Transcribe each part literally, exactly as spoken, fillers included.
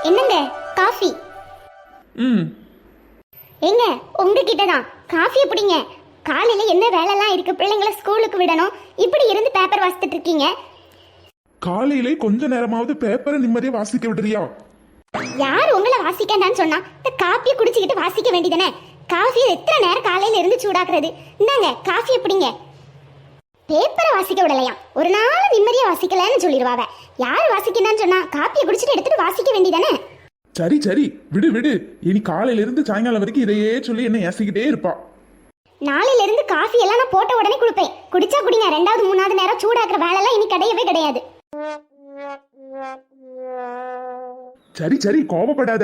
என்னங்க காஃபி? ம் எங்க உங்ககிட்ட தான் காஃபி எப்படிங்க? காலையில என்ன வேலைலாம் இருக்கு, பிள்ளைங்களை ஸ்கூலுக்கு விடணும், இப்படி இருந்து பேப்பர் வாசித்துட்டு இருக்கீங்க. காலையிலே கொஞ்ச நேரமாவது பேப்பரை நிம்மதியா வாசிக்க விடுறியா? யார் உங்களை வாசிக்கண்டான்னு சொன்னா? இந்த காஃபியை குடிச்சுக்கிட்டு வாசிக்க வேண்டியதானே? காஃபியை எத்தனை நேரம் காலையில இருந்து சூடாக்குறது? இந்தாங்க காஃபி எப்படிங்க? பேப்பரை வாசிக்க விடலையா? ஒரு நாள் நிம்மதியா வாசிக்கலன்னு சொல்லிடுவாவ. யார் வாசிக்கணும்னு சொன்னா? காப்பியை குடிச்சிட்டு எடுத்துட்டு வாசிக்க வேண்டியதானே? சரி சரி விடு விடு. இனி காலையில இருந்து சாயங்காலம் வரைக்கும் இதையே சொல்லி என்ன ஏசிக்கிட்டே இருப்பா. நாளையில இருந்து காஃபி எல்லாம் நான் போட்ட உடனே குடிப்பேன். குடிச்சா குடிங்க, ரெண்டாவது மூணாவது நேரம் சூடாக்குற வேலைலாம் இனி கிடையவே கிடையாது. சரி சரி கோபப்படாத.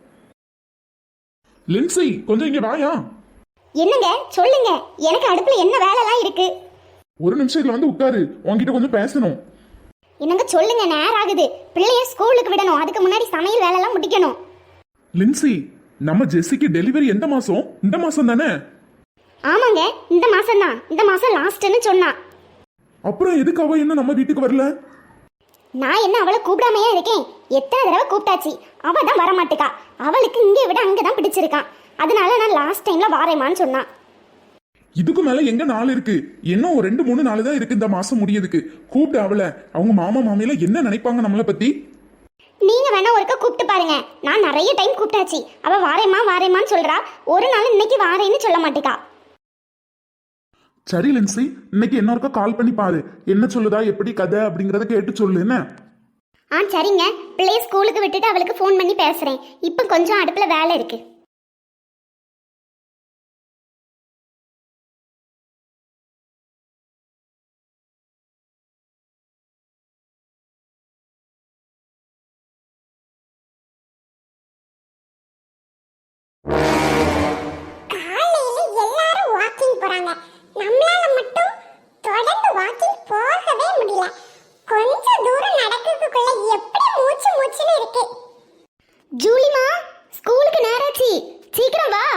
லின்சி கொஞ்சம் இங்க வாயா. என்னங்க சொல்லுங்க, எனக்கு அடுப்புல என்ன வேலைலாம் இருக்கு? ஒரு நிமிஷத்துல வந்து உட்காரு, உன்கிட்ட கொஞ்சம் பேசணும். என்னங்க சொல்லுங்க, நேரம் ஆகுது, பிள்ளைய ஸ்கூலுக்கு விடணும், அதுக்கு முன்னாடி சமையல் வேலைலாம் முடிக்கணும். லின்சி, நம்ம ஜெஸ்ஸிக்கு டெலிவரி எந்த மாசம்? இந்த மாசம் தானே? ஆமாங்க, இந்த மாசம் தான். இந்த மாசம் லாஸ்ட்னு சொன்னா. அப்புறம் எதுக்கு அவ என்ன நம்ம வீட்டுக்கு வரல? நான் என்ன அவளை கூப்பிடாமையா இருக்கேன்? எத்தனை தடவை கூப்பிட்டாச்சு, அவ தான் வரமாட்டுக்கா. அவளுக்கு இங்கே விட அங்கதான் பிடிச்சிருக்கான். அதனால நான் லாஸ்ட் டைம்ல வாரேமான்னு சொன்னான். இதுக்கு மேல எங்க நாள் இருக்கு? இன்னும் ஒரு ரெண்டு மூணு நாள் தான் இருக்கு இந்த மாசம் முடியதுக்கு. கூப்பிட்டு அவளை, அவங்க மாமா மாமியில என்ன நினைப்பாங்க நம்மளை பத்தி? நீங்க வேணா ஒருக்க கூப்பிட்டு பாருங்க. நான் நிறைய டைம் கூப்பிட்டாச்சு, அவ வாரேமா வாரேமான்னு சொல்றா. ஒரு நாள் இன்னைக்கு வாரேன்னு சொல்ல மாட்டேக்கா. சரி லின்சி, இன்னைக்கு என்ன கால் பண்ணி பாரு, என்ன சொல்லுதா, எப்படி கதை அப்படிங்கறத கேட்டு சொல்லு. என்ன? ஆ சரிங்க, பிள்ளைய ஸ்கூலுக்கு விட்டுட்டு அவளுக்கு ஃபோன் பண்ணி பேசுறேன். இப்போ கொஞ்சம் அடுப்புல வேலை இருக்கு. போறாங்க, நம்மளால மட்டும் தொடர்ந்து வாக்கிங் போகவே முடியல. கொஞ்ச தூரம் நடக்கிறதுக்குள்ள எப்படி மூச்சு மூச்சுன்னு இருக்கு. ஜூலிமா, ஸ்கூலுக்கு நேராச்சு, சீக்கிரம் வா.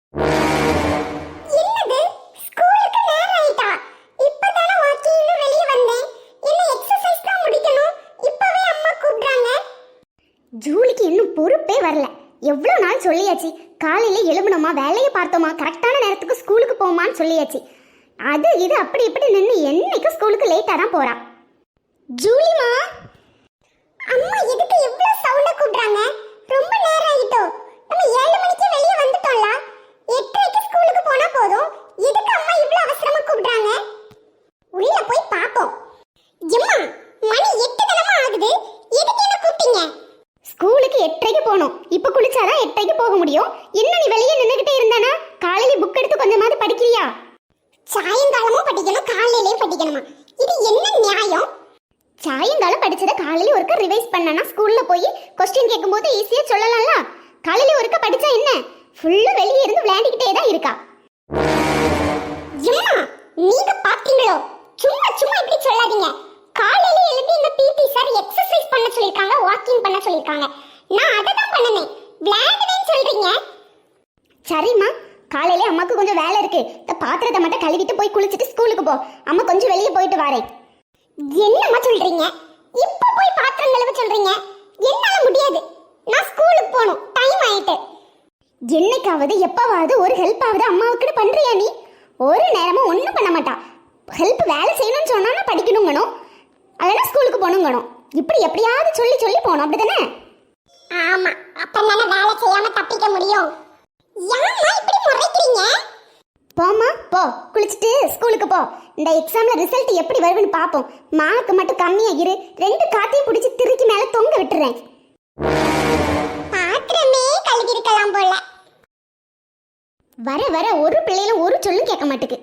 என்னது ஸ்கூலுக்கு நேரம் ஆயிட்டா? இப்பதானே வாக்கிங்ல வெளிய வந்தேன். என்ன எக்சர்சைஸ் தான் முடிக்கணும், இப்பவே அம்மா கூப்பிடுறாங்க. ஜூலிக்கு இன்னும் பொறுப்பே வரல. எவ்வளவு நாள் சொல்லியாச்சு, காலையில எழும்பணுமா, வேலையை பார்த்தோமா, கரெக்டான நேரத்துக்கு ஸ்கூலுக்கு போமான்னு சொல்லியாச்சு. அது இது அப்படி இப்படி நின்று என்னைக்கு ஸ்கூலுக்கு லேட்டா தான் போறா. ஜூலிமா, அம்மா எதுக்கு இவ்வளவு சவுண்ட கூப்பிடுறாங்க? ரொம்ப நேரம் ஆயிட்டோ. நம்ம ஏழு மணிக்கு வெளிய வந்துட்டோம்ல, எட்டரைக்கு ஸ்கூலுக்கு போனா போதும். எதுக்கு அம்மா இவ்வளவு அவசரமா கூப்பிடுறாங்க? உள்ள போய் பாப்போம். அம்மா, மணி எட்டு தானமா ஆகுது, எதுக்கு என்ன கூப்பிட்டீங்க? ஸ்கூலுக்கு எட்டரைக்கு போகணும். இப்ப குளிச்சாதான் எட்டரைக்கு போக முடியும். என்ன நீ வெளியே நின்னுகிட்டே இருந்தானா? காலையில புக் எடுத்து கொஞ்சமாவது படிக்கிறியா? சாயங்காலமும் படிக்கணும், காலையிலயும் படிக்கணுமா? இது என்ன நியாயம்? சாயங்காலம் படிச்சத காலையில ஒருக்க ரிவைஸ் பண்ணனா ஸ்கூல்ல போய் கொஸ்டின் கேட்கும்போது ஈஸியா சொல்லலாம்ல. காலையில ஒருக்க படிச்சா என்ன, ஃபுல்லா வெளியே இருந்து விளையாடிக்கிட்டே தான் இருக்கா. அம்மா, நீங்க பாத்தீங்களோ? சும்மா சும்மா இப்படி சொல்லாதீங்க. காலையில எழுதி இந்த பிடி சார் எக்சர்சைஸ் பண்ண சொல்லிருக்காங்க, வாக்கிங் பண்ண சொல்லிருக்காங்க. நான் அதை தான் பண்ணனேன். விளையாடுவேன்னு சொல்றீங்க. சரிம்மா, காலையில அம்மாக்கு கொஞ்சம் வேலை இருக்கு. இந்த பாத்திரத்தை மட்டும் கழுவிட்டு போய் குளிச்சுட்டு ஸ்கூலுக்கு போ. அம்மா கொஞ்சம் வெளியே போயிட்டு வரேன். என்னம்மா சொல்றீங்க? இப்ப போய் பாத்திரம் கழுவ சொல்றீங்க? என்னால முடியாது. நான் ஸ்கூலுக்கு போகணும், டைம் ஆயிட்டு. என்னைக்காவது எப்பாவது ஒரு ஹெல்ப் ஆகுது அம்மாவுக்கு பண்றியா நீ? ஒரு நேரமும் ஒன்றும் பண்ண மாட்டா. ஹெல்ப் வேலை செய்யணும்னு சொன்னா படிக்கணுங்கணும், அதெல்லாம் ஸ்கூலுக்கு போகணுங்கணும். இப்படி எப்படியாவது சொல்லி சொல்லி போகணும், அப்படிதானே? ஆமா, அப்பதானே வேலை செய்யாம தப்பிக்க முடியும். ஏம்மா இப்படி முறைக்கிறீங்க? போம்மா போ, குளிச்சுட்டு ஸ்கூலுக்கு போ. இந்த எக்ஸாம்ல ரிசல்ட் எப்படி வருதுன்னு பாப்போம். மார்க் மட்டும் கம்மியா இரு, ரெண்டு காத்தையும் பிடிச்சி திருக்கி மேல தொங்க விட்டுறேன். பாத்திரமே கழுவி இருக்கலாம் போல. வர வர ஒரு பிள்ளையில ஒரு சொல்லும் கேட்க மாட்டேங்குது.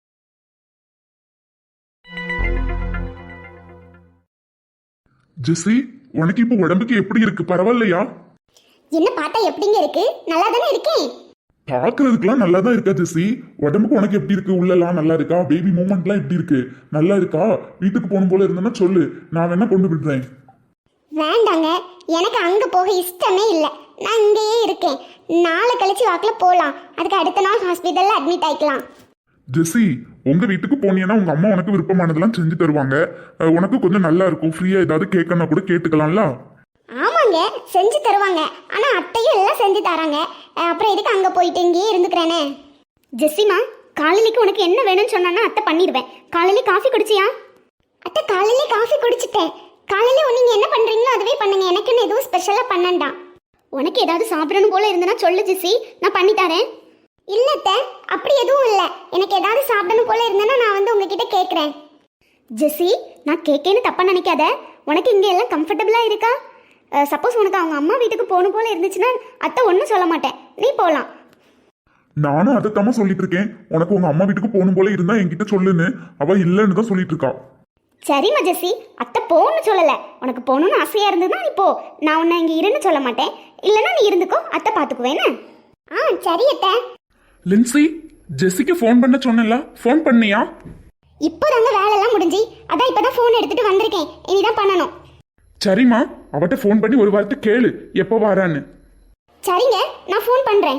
ஜெஸ்ஸி, உனக்கு இப்போ உடம்புக்கு எப்படி இருக்கு? பரவாயில்லையா? என்ன பார்த்தா எப்படிங்க இருக்கு? நல்லா தானே இருக்கேன். பாக்குறதுக்குலாம் நல்லா தான் இருக்கா ஜெஸ்ஸி. உடம்புக்கு உனக்கு எப்படி இருக்கு? உள்ளலாம் நல்லா இருக்கா? பேபி மூமெண்ட்லாம் எப்படி இருக்கு? நல்லா இருக்கா? வீட்டுக்கு போகணும் போல இருந்தேன்னா சொல்லு, நான் வேணா கொண்டு விடுறேன். வேண்டாங்க, எனக்கு அங்க போக இஷ்டமே இல்லை. நான் இங்கேயே இருக்கேன். நாளை கழிச்சு வாக்கில் போகலாம். அதுக்கு அடுத்த நாள் ஹாஸ்பிட்டல்ல அட்மிட் ஆயிக்கலாம். ஜெஸ்ஸி, உங்க வீட்டுக்கு போனீங்கன்னா உங்க அம்மா உனக்கு விருப்பமானதெல்லாம் செஞ்சு தருவாங்க. உனக்கு கொஞ்சம் நல்லா இருக்கும். ஃப்ரீயா ஏதாவது கேட்கணும் கூட கேட்டுக்கலாம்ல. ஆமாங்க, ஆமாங்க செஞ்சு தருவாங்க. ஆனா அத்தையும் எல்லாம் செஞ்சு தராங்க. அஹ் அப்புறம் எதுக்கு அங்க போயிட்டு இங்கேயே இருந்துக்கிறேனே. ஜெசிமா, காலையிலைக்கு உனக்கு என்ன வேணும்னு சொன்னா அத்தை பண்ணிடுவேன். காலையில காஃபி குடிச்சியா? அத்தை காலையில காஃபி குடிச்சிட்டேன். காலையில நீங்க என்ன பண்றீங்களோ அதுவே பண்ணுங்க. எனக்குன்னு எதுவும் ஸ்பெஷலா பண்ணண்டாம். உனக்கு ஏதாவது சாப்பிடணும் போல இருந்தனா சொல்லு ஜெசி, நான் பண்ணி தரேன். இல்ல அத்தை, அப்படி எதுவும் இல்ல. எனக்கு ஏதாவது சாப்பிடணும் போல இருந்தனா நான் வந்து உங்ககிட்ட கேக்குறேன். ஜெசி, நான் கேட்கேன்னு தப்பா நினைக்காத. உனக்கு இங்க எல்லாம் கம்ஃபர்டபுளா இருக்கா? சப்போஸ் உனக்கு அவங்க அம்மா வீட்டுக்கு போகணும் போல இருந்துச்சுன்னா அத்தை ஒன்றும் சொல்ல மாட்டேன், நீ போகலாம். நானும் அதைத்தாம சொல்லிட்டு இருக்கேன். உனக்கு உங்க அம்மா வீட்டுக்கு போகணும் போல இருந்தா என்கிட்ட சொல்லுன்னு. அவ இல்லைன்னு தான் சொல்லிட்டு இருக்கா. சரிம்மா ஜெசி, அத்தை போகணும்னு சொல்லலை. உனக்கு போகணும்னு ஆசையாக இருந்ததுன்னா நீ போ. நான் உன்னை இங்கே இருன்னு சொல்ல மாட்டேன். இல்லைன்னா நீ இருந்துக்கோ, அத்தை பார்த்துக்குவேன்னு. ஆ சரி அத்தை. லின்சி, ஜெசிக்கு ஃபோன் பண்ண சொன்னல, ஃபோன் பண்ணியா? இப்போ தாங்க வேலையெல்லாம் முடிஞ்சு, அதான் இப்போ தான் ஃபோன் எடுத்துகிட்டு வந்திருக்கேன். இனிதான் பண்ணணும். சரிம்மா, அவட்ட ஃபோன் பண்ணி ஒரு வார்த்தை கேளு எப்போ வரான்னு. சரிங்க, நான் ஃபோன் பண்ணுறேன்.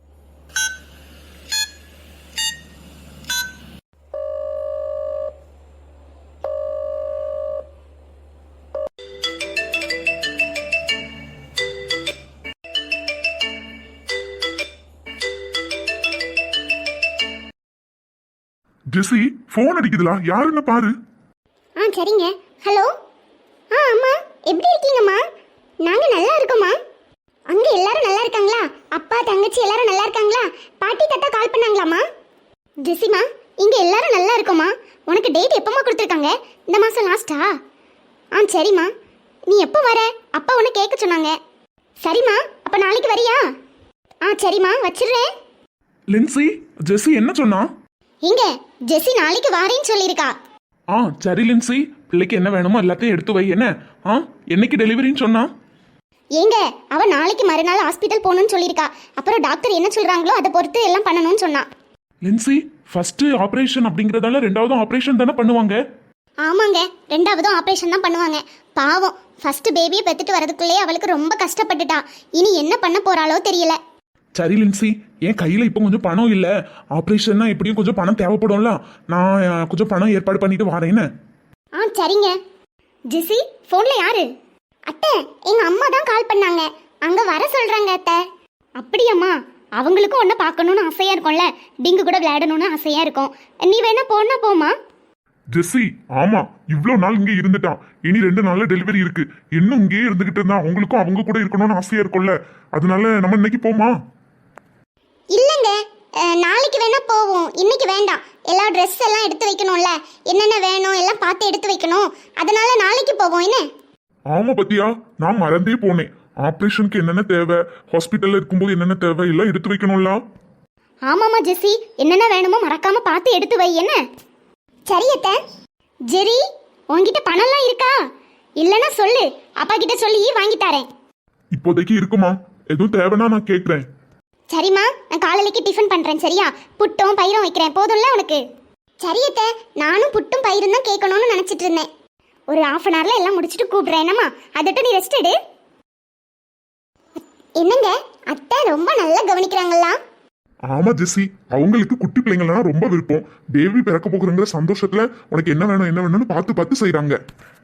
ஜெசி, ஃபோன் அடிக்குதுலா, யாருன்னு பாரு. ஆ சரிங்க. ஹலோ. ஆ அம்மா, எப்படி இருக்கீங்கம்மா? நாங்கள் நல்லா இருக்கோம்மா. அங்கே எல்லாரும் நல்லா இருக்காங்களா? அப்பா தங்கச்சி எல்லாரும் நல்லா இருக்காங்களா? பாட்டி தாத்தா கால் பண்ணாங்களாம்மா? ஜெசிமா, இங்கே எல்லாரும் நல்லா இருக்கோம்மா. உனக்கு டேட் எப்போம்மா கொடுத்துருக்காங்க? இந்த மாதம் லாஸ்ட்டா? ஆ சரிம்மா. நீ எப்போ வர? அப்பா உன்னை கேட்க சொன்னாங்க. சரிம்மா, அப்போ நாளைக்கு வரியா? ஆ சரிம்மா, வச்சிடுறேன். லின்சி, ஜெசி என்ன சொன்னா? இங்க ஜெசி நாளைக்கு வாரேன்னு சொல்லியிருக்கா. ஆ சரி லின்சி, பிள்ளைக்கு என்ன வேணுமோ எல்லாத்தையும் எடுத்து வை. என்ன ஆ என்னைக்கு டெலிவரின்னு சொன்னா? ஏங்க அவ நாளைக்கு மறுநாள் ஹாஸ்பிட்டல் போகணும்னு சொல்லியிருக்கா. அப்புறம் டாக்டர் என்ன சொல்றாங்களோ அதை பொறுத்து எல்லாம் பண்ணணும்னு சொன்னா. லின்சி, ஃபர்ஸ்ட் ஆபரேஷன் அப்படிங்கறதால ரெண்டாவது ஆபரேஷன் தானே பண்ணுவாங்க? ஆமாங்க, ரெண்டாவதும் ஆபரேஷன் தான் பண்ணுவாங்க. பாவம், ஃபர்ஸ்ட் பேபியை பெத்துட்டு வரதுக்குள்ளேயே அவளுக்கு ரொம்ப கஷ்டப்பட்டுட்டா. இனி என்ன பண்ண போறாளோ தெரியல. சரி லின்சி, என் கையில இப்போ கொஞ்சம் பணம் இல்ல. ஆபரேஷன்னா எப்படியும் கொஞ்சம் பணம் தேவைப்படும்ல. நான் அஹ், கொஞ்சம் பணம் ஏற்பாடு பண்ணிட்டு வரேன்னு. ஆ சரிங்க. ஜெசி, ஃபோன்ல யாரு? அத்தை, எங்க அம்மா தான் கால் பண்ணாங்க. அங்க வர சொல்றாங்க அத்தை. அப்படியாம்மா? அவங்களுக்கும் ஒன்ன பார்க்கணும்னு ஆசையா இருக்கும்ல, டிங்கு கூட விளையாடணும்னு ஆசையா இருக்கும். நீ வேணா போனா போமா. ஜெசி, ஆமா, இவ்ளோ நாள் இங்கே இருந்துட்டான். இனி ரெண்டு நாள்ல டெலிவரி இருக்கு. இன்னும் இங்கேயே இருந்துகிட்டு இருந்தா அவங்களுக்கும் அவங்க கூட இருக்கணும்னு ஆசையா இருக்கும்ல. அதனால நம்ம இன்னைக்கு போமா? இல்லைங்க, அஹ், நாளைக்கு வேணா போவோம். இன்னைக்கு வேண்டாம். எல்லா ட்ரெஸ் எல்லாம் எடுத்து வைக்கணும்ல, என்னென்ன வேணும் எல்லாம் பார்த்து எடுத்து வைக்கணும். அதனால நாளைக்கு போவோம். என்ன? ஆமா பத்தியா, நான் மறந்தே போனேன். ஆபரேஷனுக்கு என்னென்ன தேவை, ஹாஸ்பிட்டல்ல இருக்கும்போது என்னென்ன தேவை எல்லாம் எடுத்து வைக்கணும்ல. ஆமாமா ஜெசி, என்னென்ன வேணுமோ மறக்காம பார்த்து எடுத்து வை. என்ன? சரி அத்தை. ஜெரி, உன்கிட்ட பணம்லாம் இருக்கா? இல்லைன்னா சொல்லு, அப்பா கிட்ட சொல்லி வாங்கி தரேன். இப்போதைக்கு இருக்குமா? எதுவும் தேவைன்னா நான் கேட்கறேன். சரிம்மா, நான் காலையிலேக்கு டிஃபன் பண்றேன். சரியா? புட்டும் பயிரும் வைக்கிறேன். போதும்ல உனக்கு? சரி அத்தை, நானும் புட்டும் பயிரும் தான் கேட்கணும்னு நினைச்சிட்டு இருந்தேன். ஒரு ஹாஃப் அன் ஹவர்ல எல்லாம் முடிச்சுட்டு கூப்பிடுறேன். என்னம்மா, அதட்ட நீ ரெஸ்ட் எடு. என்னங்க, அத்தை ரொம்ப நல்லா கவனிக்கிறாங்களா? ஆமா ஜெசி, அவங்களுக்கு குட்டி பிள்ளைங்கள்னா ரொம்ப விருப்பம். பேபி பிறக்க போகிறங்கிற சந்தோஷத்துல உனக்கு என்ன வேணும் என்ன வேணும்னு பார்த்து பார்த்து செய்றாங்க.